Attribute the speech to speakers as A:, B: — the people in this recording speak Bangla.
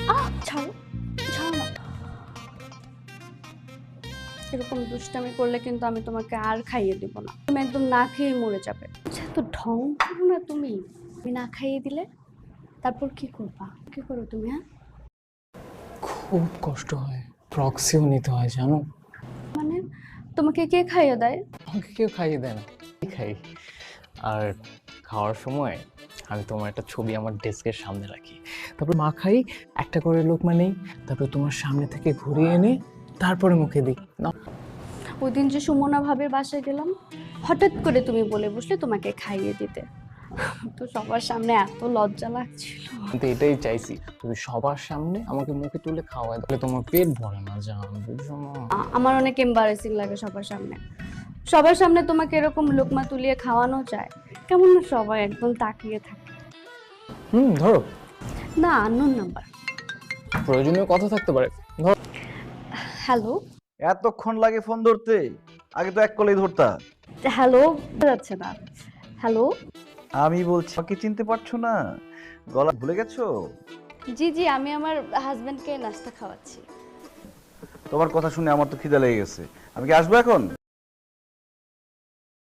A: ছাড়ো, ছাড়ো না। এরকম দুষ্টামি করলে কিন্তু আমি তোমাকে আর খাইয়ে দিব না, তুমি একদম না খেয়ে মরে যাবে। আচ্ছা, তো ঢং করো না তুমি। আমি না খাইয়ে দিলে তারপর কি করবা? কি করো তুমি? হ্যাঁ,
B: খুব কষ্ট হয়, প্রক্সিও নিতে হয় জানো।
A: মানে তোমাকে কে খাইয়ে দেয়?
B: আমাকে কেউ খাইয়ে দেয় না, আমি খাই। আর খাওয়ার সময় আমি তোমার একটা ছবি আমার ডেস্কের সামনে রাখি, তারপর মাখাই, একটা করে লোকমা নেই, তারপর তোমার সামনে থেকে ঘুরিয়ে এনে তারপরে মুখে দিই না।
A: ওই দিন যে সুমনা ভাবির বাসায় গেলাম, হঠাৎ করে তুমি বলে বসলে তোমাকে খাইয়ে দিতে, তো সবার সামনে এত লজ্জা লাগছিল।
B: কিন্তু এটাই চাইছি, তুমি সবার সামনে আমাকে মুখে তুলে খাওয়ায়, তাহলে তোমার পেট ভরে না জান, বুঝছো না?
A: আমার অনেক এম্বারেসিং লাগে সবার সামনে। সবার সামনে তোমাকে এরকম লোকমা তুলিয়ে খাওয়ানো যায়, কেমন না সবাই একদম তাকিয়ে থাকে।
B: ধরো।
A: না, আননোন নাম্বার।
B: প্রয়োজনীয় কথা থাকতে পারে, ধরো।
A: হ্যালো।
C: এতক্ষণ লাগে ফোন ধরতে? আগে তো এক কলেই ধরতা।
A: হ্যালো যাচ্ছে না। হ্যালো।
C: আমি বলছি আমাকে চিনতে পারছো না? গলা ভুলে গেছো?
A: জি জি, আমি আমার হাজবেন্ডকে নাস্তা খাওয়াচ্ছি।
C: তোমার কথা শুনে আমার তো খিদে লেগে গেছে। আমি কি আসবো এখন?